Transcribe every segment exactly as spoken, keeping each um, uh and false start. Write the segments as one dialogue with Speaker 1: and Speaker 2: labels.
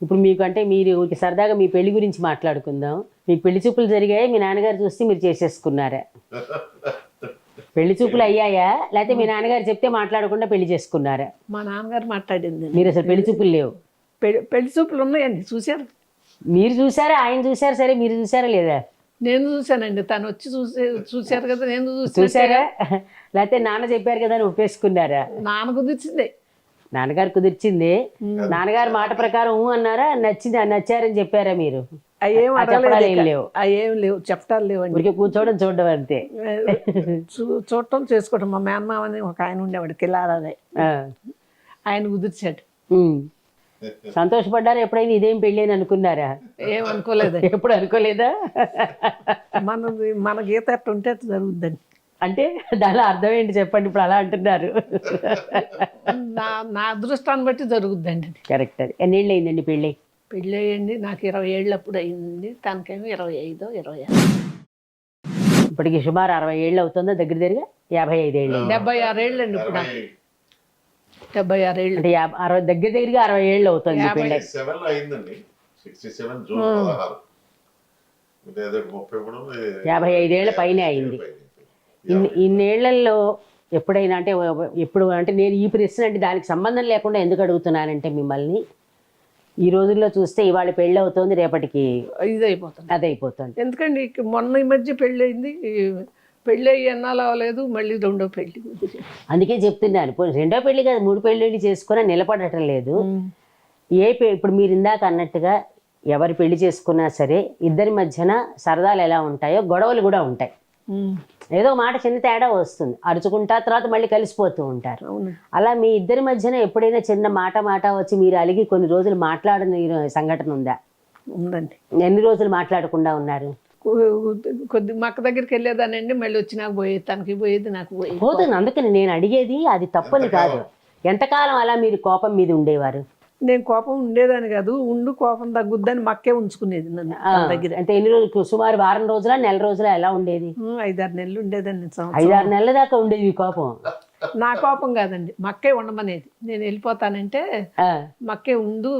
Speaker 1: ఇప్పుడు మీకు అంటే మీరు ఊరికే సరదాగా మీ పెళ్లి గురించి మాట్లాడుకుందాం. మీకు పెళ్లి చూపులు జరిగాయి, మీ నాన్నగారు చూస్తే మీరు చేసేసుకున్నారా? పెళ్లి చూపులు అయ్యాయా, లేకపోతే మీ నాన్నగారు చెప్తే మాట్లాడకుండా పెళ్లి చేసుకున్నారా?
Speaker 2: మా నాన్నగారు మాట్లాడింది.
Speaker 1: మీరు అసలు పెళ్లి చూపులు లేవు?
Speaker 2: పెళ్లి పెళ్లి చూపులు ఉన్నాయండి, చూశారు.
Speaker 1: మీరు చూసారా, ఆయన చూసారు, సరే మీరు చూసారా లేదా?
Speaker 2: నేను చూశానండి, తను వచ్చి చూసే చూశారు కదా, నేను
Speaker 1: చూసారా? లేకపోతే నాన్న చెప్పారు కదా అని ఒప్పేసుకున్నారా?
Speaker 2: నాన్న కుదిర్చిందే.
Speaker 1: నాన్నగారు కుదిర్చింది. నాన్నగారు మాట ప్రకారం ఊ అన్నారా, నచ్చింది నచ్చారని చెప్పారా మీరు?
Speaker 2: అయ్యేం
Speaker 1: చెప్పడాలు లేవు,
Speaker 2: అయ్యేం లేవు, చెప్పటాలు లేవండి.
Speaker 1: ఊరికే కూర్చోవడం చూడడం అంతే.
Speaker 2: చూ చూడటం చేసుకోవడం. మా మేనమామ అని ఒక ఆయన ఉండేవాడు, కిలారాదే, ఆయన కుదిర్చాడు.
Speaker 1: సంతోషపడ్డారు ఎప్పుడైనా ఇదేం పెళ్ళి అని అనుకున్నారా?
Speaker 2: ఏమనుకోలేదు.
Speaker 1: ఎప్పుడు అనుకోలేదా?
Speaker 2: మనది మన గీత ఎట్లా ఉంటే అట్లా జరుగుద్దండి.
Speaker 1: అంటే దానిలో అర్థం ఏంటి చెప్పండి, ఇప్పుడు అలా అంటున్నారు.
Speaker 2: నా నా అదృష్టాన్ని బట్టి జరుగుద్దండి.
Speaker 1: కరెక్ట్. అది ఎన్నేళ్ళు అయిందండి పెళ్ళి?
Speaker 2: పెళ్ళి అయ్యండి నాకు ఇరవై ఏళ్ళు అప్పుడు అయిందండి, తనకేమో ఇరవై ఐదో ఇరవై ఆరు.
Speaker 1: ఇప్పటికి సుమారు అరవై ఏళ్ళు అవుతుందా? దగ్గర దగ్గరగా యాభై ఐదు ఏళ్ళు,
Speaker 2: డెబ్బై ఆరు ఏళ్ళు అండి ఇప్పుడు నాకు. డెబ్బై ఆరు ఏళ్ళు
Speaker 1: అంటే అరవై దగ్గర దగ్గరగా అరవై ఏళ్ళు అవుతుంది పెళ్ళి. యాభై ఐదేళ్ల పైనే అయింది. ఇన్ని ఇన్నేళ్లలో ఎప్పుడైనా అంటే ఎప్పుడు అంటే నేను ఈ ప్రశ్న అంటే దానికి సంబంధం లేకుండా ఎందుకు అడుగుతున్నానంటే మిమ్మల్ని, ఈ రోజుల్లో చూస్తే ఇవాళ పెళ్ళి అవుతుంది, రేపటికి
Speaker 2: ఇది అయిపోతుంది,
Speaker 1: అది అయిపోతుంది.
Speaker 2: ఎందుకండి మొన్న ఈ మధ్య పెళ్ళి అయింది, పెళ్ళి అయ్యి ఎన్నాళ్ళు అవ్వలేదు, మళ్ళీ రెండో పెళ్ళి.
Speaker 1: అందుకే చెప్తున్నాను, రెండో పెళ్లి కాదు మూడు పెళ్ళిళ్ళు చేసుకున్నా నిలబడటం లేదు. ఏ ఇప్పుడు మీరు ఇందాక అన్నట్టుగా ఎవరు పెళ్లి చేసుకున్నా సరే ఇద్దరి మధ్యన సరదాలు ఎలా ఉంటాయో గొడవలు కూడా ఉంటాయి. ఏదో మాట చిన్న తేడా వస్తుంది, అరుచుకుంటా తర్వాత మళ్ళీ కలిసిపోతూ ఉంటారు. అలా మీ ఇద్దరి మధ్యన ఎప్పుడైనా చిన్న మాట మాట వచ్చి మీరు అలిగి కొన్ని రోజులు మాట్లాడని సంఘటన ఉందా?
Speaker 2: ఉందండి.
Speaker 1: ఎన్ని రోజులు మాట్లాడకుండా ఉన్నారు?
Speaker 2: కొద్ది మక్క దగ్గరికి వెళ్ళేదానండి, మళ్ళీ వచ్చి నాకు పోయేది, తనకి పోయేది, నాకు పోయేది.
Speaker 1: పోతుంది. అందుకని నేను అడిగేది అది తప్పని కాదు, ఎంతకాలం అలా మీరు కోపం మీద ఉండేవారు?
Speaker 2: నేను కోపం ఉండేదాన్ని కాదు, ఉండు కోపం తగ్గుద్దని మక్కే ఉంచుకునేది నన్ను దగ్గర.
Speaker 1: అంటే ఎన్ని రోజులు, సుమారు వారం రోజుల నెల రోజుల ఎలా ఉండేది?
Speaker 2: ఐదారు నెలలు ఉండేదాన్ని.
Speaker 1: ఐదారు నెలల దాకా ఉండేది కోపం?
Speaker 2: నా కోపం కాదండి, మక్కే ఉండమనేది. నేను వెళ్ళిపోతానంటే మక్కే ఉండు,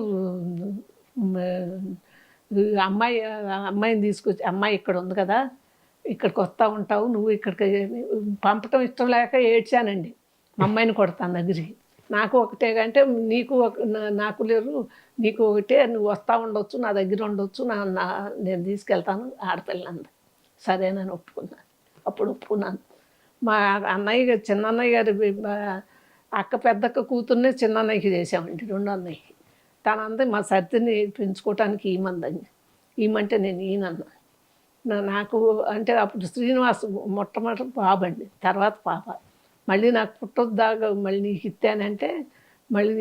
Speaker 2: అమ్మాయి అమ్మాయిని తీసుకొచ్చి, అమ్మాయి ఇక్కడ ఉంది కదా, ఇక్కడికి వస్తూ ఉంటావు, నువ్వు ఇక్కడికి పంపటం ఇష్టం లేక ఏడ్చానండి. మా అమ్మాయిని కొడతాను దగ్గరికి. నాకు ఒకటే అంటే నీకు నాకు లేరు, నీకు ఒకటే, నువ్వు వస్తూ ఉండొచ్చు, నా దగ్గర ఉండొచ్చు, నా నా నేను తీసుకెళ్తాను ఆడపిల్లంది. సరేనని ఒప్పుకున్నాను. అప్పుడు ఒప్పుకున్నాను. మా అన్నయ్య చిన్న అన్నయ్య గారి అక్క పెద్దక్క కూతుర్నే చిన్న అన్నయ్యకి చేసామండి, రెండో అన్నయ్యకి. తనంతా మా సర్దిని పెంచుకోవటానికి ఈమందని, ఈమంటే నేను ఈయనన్నా. నాకు అంటే అప్పుడు శ్రీనివాస్ మొట్టమొదటి బాబండి, తర్వాత పాప. మళ్ళీ నాకు పుట్టొద్దాగా మళ్ళీ నీకు ఇస్తానంటే మళ్ళీ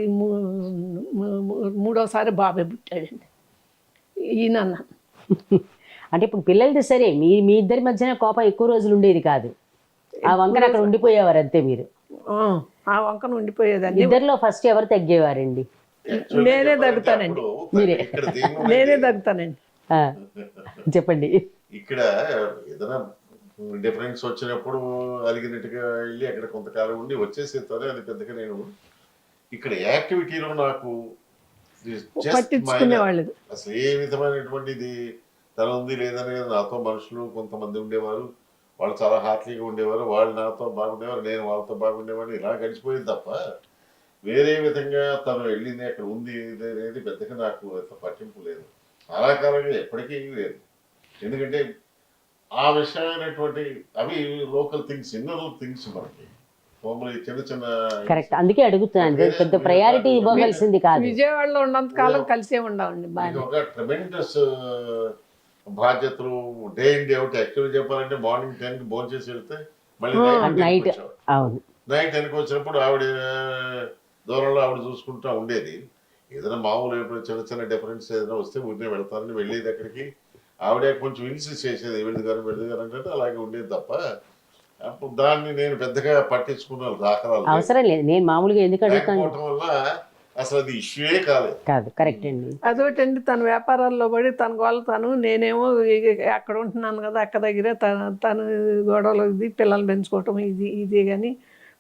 Speaker 2: మూడోసారి బాబాయ్ పుట్టాడండి, ఈయనన్నా.
Speaker 1: అంటే ఇప్పుడు పిల్లలది సరే, మీ మీ ఇద్దరి మధ్యన కోపం ఎక్కువ రోజులు ఉండేది కాదు, ఆ వంకన అక్కడ ఉండిపోయేవారు అంతే మీరు?
Speaker 2: ఆ వంకన ఉండిపోయేదాన్ని.
Speaker 1: ఇద్దరిలో ఫస్ట్ ఎవరు తగ్గేవారండి?
Speaker 2: నేనే తగ్గుతానండి. మీరే నేనే తగ్గుతానండి.
Speaker 1: చెప్పండి.
Speaker 3: ఇక్కడ ఏదైనా డిఫరెన్స్ వచ్చినప్పుడు అలిగినట్టుగా వెళ్ళి అక్కడ కొంతకాలం ఉండి వచ్చేసేస్తానే, అది పెద్దగా నేను ఇక్కడ యాక్టివిటీలో నాకు
Speaker 2: పట్టించుకునేవాళ్ళు
Speaker 3: అసలు ఏ విధమైనటువంటిది తల ఉంది లేదని. నాతో మనుషులు కొంతమంది ఉండేవారు, వాళ్ళు చాలా హార్ట్లీగా ఉండేవారు, వాళ్ళు నాతో బాగుండేవారు, నేను వాళ్ళతో బాగుండేవాడిని. ఇలా గడిచిపోయింది తప్ప వేరే విధంగా తను వెళ్ళింది అక్కడ ఉంది అనేది పెద్దగా నాకు అంత పట్టింపు లేదు. చాలా కాలంగా ఎప్పటికీ లేదు. ఎందుకంటే ఆ విషయమైనటువంటి అవి లోకల్ థింగ్స్, ఇన్నర్ థింగ్స్ మనకి మామూలు చిన్న చిన్న.
Speaker 1: కరెక్ట్, అందుకే అడుగుతున్నాను, పెద్ద ప్రయారిటీ ఇవ్వవలసింది కాదు.
Speaker 2: విజయవాడలో ఉన్నంత కాలం కలిసే ఉండాలండి.
Speaker 3: ఒక ట్రెమెండస్ బాధ్యతలు, డే ఇన్ డే అవుట్. యాక్చువల్గా చెప్పాలంటే మార్నింగ్ టెన్ కి భోజనం చేసి వెళ్తే మళ్ళీ నైట్ నైట్ టెన్కి వచ్చినప్పుడు ఆవిడ దూరంలో ఆవిడ చూసుకుంటూ ఉండేది. ఏదైనా మామూలు ఎప్పుడు చిన్న చిన్న డిఫరెన్స్ ఏదైనా వస్తే ఊరినే వెళ్తానని వెళ్ళేది అక్కడికి. ఆవిడే కొంచెం ఇన్సిస్ట్ చేసేది, వెళ్ళి గారు వెళ్ళి గారు అంటే అలాగే ఉండేది తప్ప అప్పుడు దాన్ని నేను పెద్దగా పట్టించుకున్నాను. దాఖలాలు
Speaker 1: అవసరం లేదు, నేను మామూలుగా ఎందుకు అడుగుతాను
Speaker 3: వల్ల అసలు అది ఇష్యూయే కాలేదు.
Speaker 1: కాదు, కరెక్ట్ అండి.
Speaker 2: అదొకటండి, తన వ్యాపారాల్లో పడి తన గోళ్ళ తను, నేనేమో అక్కడ ఉంటున్నాను కదా అక్క దగ్గరే తన తను గొడవలు ఇది పిల్లలు పెంచుకోవటం ఇది ఇది కానీ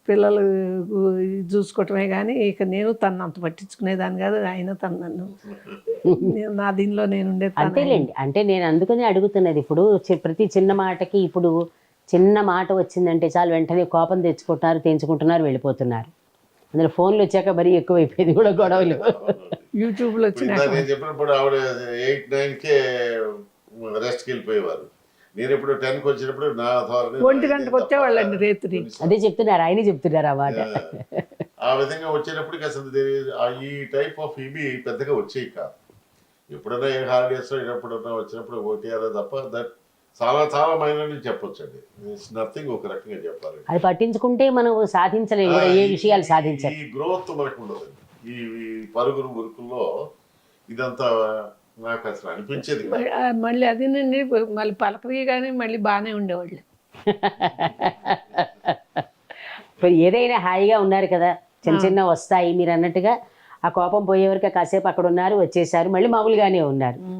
Speaker 2: పిల్లలు చూసుకోవటమే కానీ ఇక నేను తను అంత పట్టించుకునేదాన్ని కాదు, ఆయన తను నన్ను నేను నా దీనిలో నేను ఉండే
Speaker 1: అంతేలేండి. అంటే నేను అందుకనే అడుగుతున్నది. ఇప్పుడు చి- ప్రతి చిన్న మాటకి ఇప్పుడు చిన్న మాట వచ్చిందంటే చాలు వెంటనే కోపం తెచ్చుకుంటున్నారు, తెంచుకుంటున్నారు, వెళ్ళిపోతున్నారు. అందులో ఫోన్లు వచ్చాక మరీ ఎక్కువైపోయింది కూడా గొడవలు.
Speaker 2: యూట్యూబ్లో వచ్చిన
Speaker 3: ఇందాక నేను చెప్పినప్పుడు ఆవిడ ఎయిట్ నైన్ కే రెస్ట్కి వెళ్ళిపోయేవారు. నేను ఇప్పుడు టెన్ కి వచ్చినప్పుడు నా authority
Speaker 2: ఒంటి గంటకు వచ్చేవాళ్ళండి రేత్రి.
Speaker 1: అదే చెప్తున్నారు, ఆయనే చెప్తున్నారు ఆ మాట.
Speaker 3: ఆ విధంగా వచ్చేటప్పటికి అసలు there- ఆ ఈ టైప్ ఆఫ్ ఇవి పెద్దగా వచ్చేవి కాదు. ఎప్పుడైనా ఏ హాలిడేస్ ఎప్పుడైనా వచ్చినప్పుడు ఒకటి అదే తప్ప దట్ చాలా చాలా మైనర్ అని చెప్పొచ్చు అండి. ఇట్స్ నథింగ్ ఒక రకంగా చెప్పాలి.
Speaker 1: అది పట్టించుకుంటే మనం సాధించలేము కూడా, ఏ విషయాలు సాధించాలి.
Speaker 3: ఈ గ్రోత్ మనకు ఉండదు. ఈ ఈ పరుగులు మురుకుల్లో ఇదంతా నాకు అసలు అనిపించేది కాదు.
Speaker 2: ఆ, మళ్ళీ అదేనండి మళ్ళీ పలకరి కానీ మళ్ళీ బాగానే ఉండేవాళ్ళు.
Speaker 1: ఇప్పుడు ఏదైనా హాయిగా ఉన్నారు కదా, చిన్న చిన్న వస్తాయి మీరు అన్నట్టుగా. ఆ కోపం పోయేవరకు కాసేపు అక్కడ ఉన్నారు, వచ్చేసారు, మళ్ళీ మామూలుగానే ఉన్నారు.